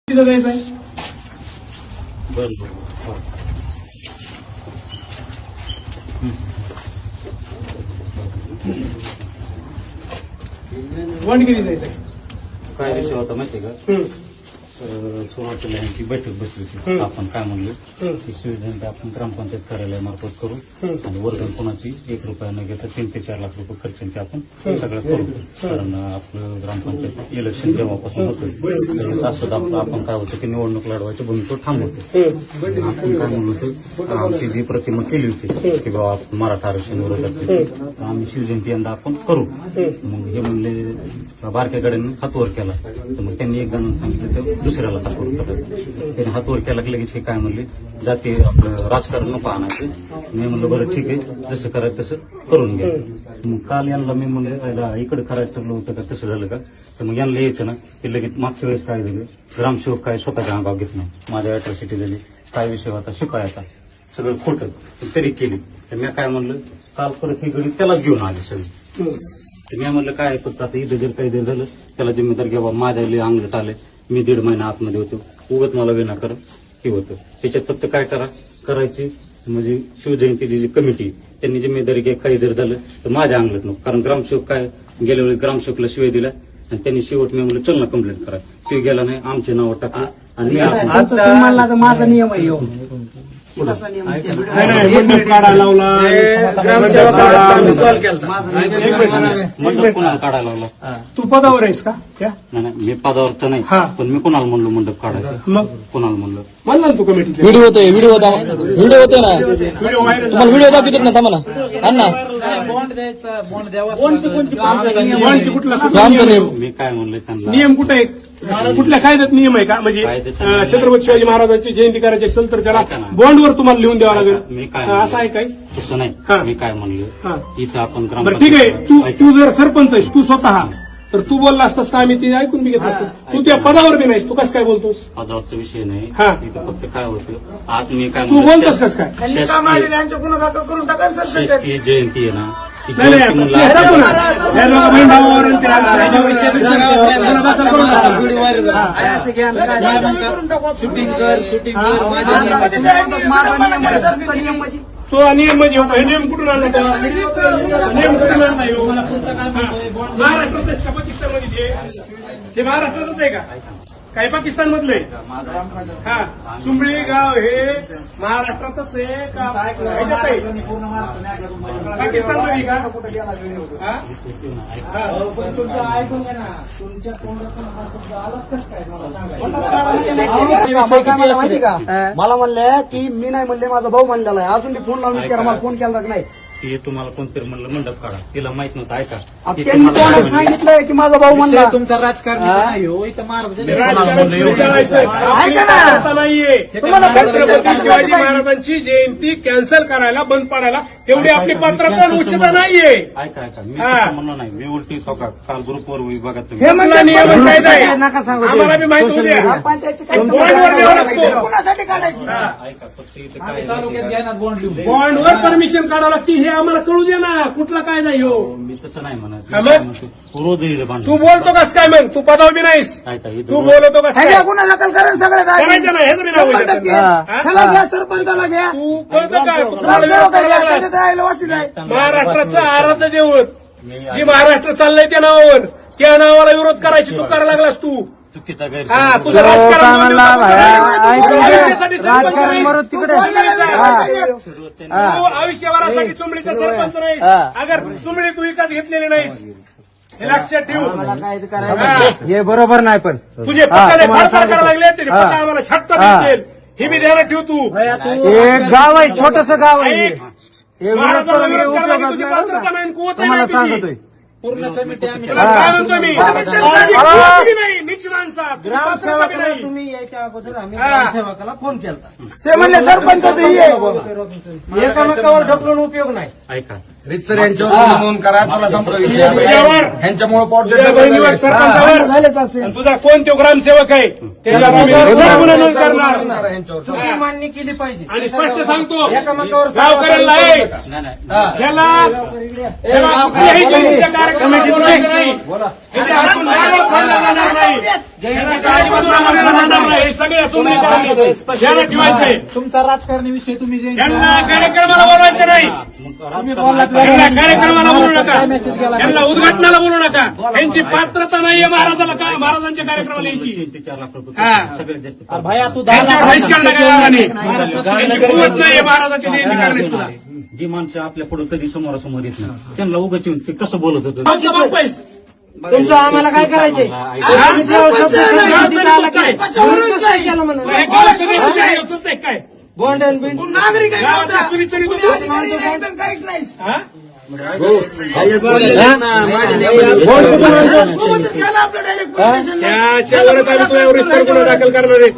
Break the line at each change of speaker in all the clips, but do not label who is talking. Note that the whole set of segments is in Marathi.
तिथं जायचं आहे.
बरोबर.
वंड किती जायचं आहे.
काय विषय होता माहितीये का? सुरुवातीला यांची बैठक बसली होती. आपण काय म्हणलो की सुविधांचा आपण ग्रामपंचायत कार्यालयामार्फत करू आणि वर्गण कोणाची 1 रुपया न घेता 3 ते 4 लाख रुपये खर्चांचे आपण सगळं करू. कारण आपलं ग्रामपंचायत इलेक्शन जेव्हापासून होतं असं आपण काय होतं की निवडणूक लढवायची भूमिका थांबवतो. आपण काय म्हणलो होतो आमची जी प्रतिमा केली होती की बाबा मराठा आरक्षण विरोधात आम्ही शिवजयंती यंदा आपण करू. मग हे म्हणले बारक्या गाड्यांनी हातवर केला तर मग त्यांनी एक जण सांगितलं तर दुसऱ्याला हातवर करायचं. त्यांनी हातवर केला की लगेच हे काय म्हणले जाते आपलं राजकारण नको आणायचं. मी म्हणलं बरं ठीक आहे जसं करायचं तसं करून घ्या. मग काल यांना मी म्हणलं इकडे करायचं ठरलं होतं का तसं झालं का तर मग यांना यायचं ना की लगेच मागच्या वेळेस काय झालं ग्रामसेवक काय स्वतःच्या अंगावर घेत नाही. माझ्या अॅट्रॉसिटी झाली काय विषय होता शिकायचा सगळं खोटं तरी केली. तर मी काय म्हणलं काल परत ही गडी त्यालाच घेऊन आली सगळी. तर मी म्हणलं काय फक्त आता इथं जर काही जर झालं त्याला जिम्मेदार घ्यावा. माझ्या लय अंगलट आले मी 1.5 महिना आतमध्ये होतो उगत मला विनाकारण हे होतं. त्याच्यात फक्त काय करायची म्हणजे शिवजयंतीची जी कमिटी त्यांनी जिम्मेदारी घ्या. काही जर झालं तर माझ्या अंगलट नको. कारण ग्रामसेवक काय गेल्या वेळी ग्रामसेवकला शिवाय दिला आणि त्यांनी शेवट मी म्हणलं चल ना कंप्लेंट करा. शिव गेला नाही आमचे नाव टाकलं आणि
माझा नियम आहे
मंडप काढायला लावला
मंडप कोणाला काढायला लावला.
तू पदावर आहेस का त्या
नाही मी पदावर तर नाही पण मी कोणाला म्हणलो मंडप काढायचं.
मग
कोणाला म्हणलं
म्हणला ना तू कमिटी
व्हिडिओ होते ना तुम्हाला व्हिडिओ दाखवतो ना थांबा ना अण्णा आमचा नियम
मी काय म्हणलं त्यांना
नियम कुठे आहे कुठल्या कायद्यात नियम आहे का म्हणजे छत्रपती शिवाजी महाराजांची जयंती करायची असेल तर त्याला बॉन्डवर तुम्हाला लिहून द्यावं लागेल.
मी काय
असं आहे काय
तसं नाही. मी काय म्हणलं इथं आपण
बरं ठीक आहे तू जर सरपंच आहेस तू स्वतः तर तू बोलला असतास का आम्ही ते ऐकून बी घेत असतो. तू त्या पदावर बी नाहीस तू कसं काय बोलतोस.
पदावरचा विषय नाही
हा.
इथं फक्त काय होतं आज मी काय
तू बोलतोस कसं काय
शासकीय जयंती आहे ना ती
नाही
जयंती म्हणलं तो नियम म्हणजे हे नियम कुठून आणला नियम कुठून आणला महाराष्ट्रात का पाकिस्तानमध्ये ते महाराष्ट्रातच आहे का काही पाकिस्तान मधले हा सुंबळी गाव हे महाराष्ट्रातच आहे का पाकिस्तान मध्ये का
ऐकून घ्या ना तुमच्या माहिती का मला म्हणले की मी नाही म्हणले माझा भाऊ म्हणलेला आहे. अजून फोन लावून विचारा मला फोन केला का नाही.
ते तुम्हाला कोणतरी म्हणलं मंडप काढा तिला माहित नव्हतं. ऐका
त्यांनी कोणाला सांगितलंय की माझा भाऊ म्हणला
तुमचा राजकारण नाहीये छत्रपती शिवाजी महाराजांची जयंती कॅन्सल करायला बंद पाडायला तेवढी आपली पात्रता उच्चता नाहीये.
ऐका मी तसं म्हणलं नाही. मी उलटी काल ग्रुपवर विभागात
हे म्हणला नियम कायदा आहे
नका सांगू
आम्हाला बी माहिती होती बॉन्डवर द्यावं लागतो.
कोणासाठी काढायची
ऐका फक्त इथं काय
बॉन्डवर परमिशन काढावं लागते हे आम्हाला कळू दे ना कुठला कायदा ह्यो.
मी तसं नाही म्हणत.
हा मग?
रोज येईल भांडण.
तू बोलतो कस काय मग तू पदावर बी नाहीस
ऐका
तू बोलतो कस काय
गुन्हा दाखल करा सगळे
करायचं नाही हेच बी नाव आहे.
ह्याला घ्या सरपंचाला घ्या
तू कळतं का तू कोणाला विरोध करायला लागलास? महाराष्ट्राचं आराध्य दैवत जी महाराष्ट्र चाललंय त्या नावावर त्या नावाला विरोध करायची तू करायला लागलास. तू
चुकीचा
हा तुझं राजकारण आयुष्यभरासाठी चुंबळीचा सरपंच नाहीस. अगर चुंबळी तू विकत घेतलेली नाहीस हे लक्षात ठेवू.
हे बरोबर नाही पण
तुझे पक्काने फाडफाड करायला लागले तरी पक्का आम्हाला छट्टा भेटेल हे मी ध्यानात ठेव. तू
एक गाव आहे छोटस गाव आहे
ऐक. महाराजांना विरोध करायला तुझी पात्रता नाही कुवत नाही
सांगतोय
पूर्ण कमिटी काय म्हणतो मी काळजी नाही नीच माणसा
ग्रामसेवकाला तुम्ही यायच्या अगोदर आम्ही ग्रामसेवकाला फोन केला ते म्हणले सरपंच एकामेकावर ढकलून उपयोग नाही.
ऐका
रितसर यांच्यावर नोंद करा चला संपला विषय ह्यांच्यामुळे पोट
बहिणीवर सरपंचावर
झालेच असेल
तुझा कोण तो ग्रामसेवक आहे त्याच्यावर आम्ही सरळ गुन्हा नोंद करणार
चुकी मान्य केली पाहिजे
आणि स्पष्ट सांगतो
एकामेकावर
गावकऱ्यांना
नाही
याला कुठल्याही जयंतीच्या कार्यक्रमात बोलायचं नाही. याच्या हातून नारळ फोडला जाणार नाही. याला अजिबात नारळ फोडला जाणार नाही. सगळ्या चोंदणीकरांनी ध्यानात ठेवायचंय.
तुमचा राजकारणी विषय तुम्ही जे
यांना कार्यक्रमाला बोलवायचं नाही, यांना कार्यक्रमाला बोलू नका, यांना उद्घाटनाला बोलू नका. यांची पात्रता नाहीये महाराजाला महाराजांच्या कार्यक्रमाला यायची.
4 लाख रुपये
हा.
सगळ्यात जास्त
भया तू 10
त्यांच्यावर बहिष्कार टाकायला नाही. यांची
लाख
कुवत नाहीये महाराजाची जयंती करण्याची सुद्धा.
जी माणसं आपल्या पुढे कधी समोरासमोर येत नाही त्यांना उगाच येऊन ते कसं बोलत होतं
आमचा बाप आहेस.
तुमचं आम्हाला काय करायचंय? आम्ही जेव्हा शब्द संमतीला आला की विरोधच काय केला म्हणून?
हे गावात सगळे तुझे हे उचलताय काय?
बॉन्ड अँड बिंड
नागरिक आहे गावातल्या चुरीचुरी तुम्ही. हा? त्याच्यावरच आम्ही तुझ्यावर विस्तार गुन्हा दाखल करणार आहे.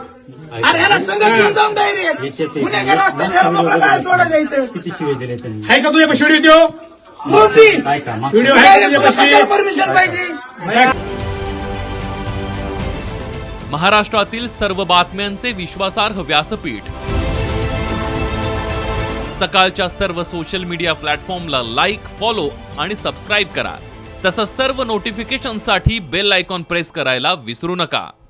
किती शिवे दिले त्यांनी
आहे का तुझ्या व्हिडिओ देऊ?
काय का मागचं-
व्हिडिओ आहे का तुझ्यापाशी?
महाराष्ट्रातील सर्व बातम्यांचे विश्वासार्ह व्यासपीठ सकाळच्या सर्व सोशल मीडिया प्लॅटफॉर्मला लाईक, फॉलो आणि सबस्क्राईब करा. तसंच सर्व नोटिफिकेशनसाठी बेल आयकॉन प्रेस करायला विसरू नका.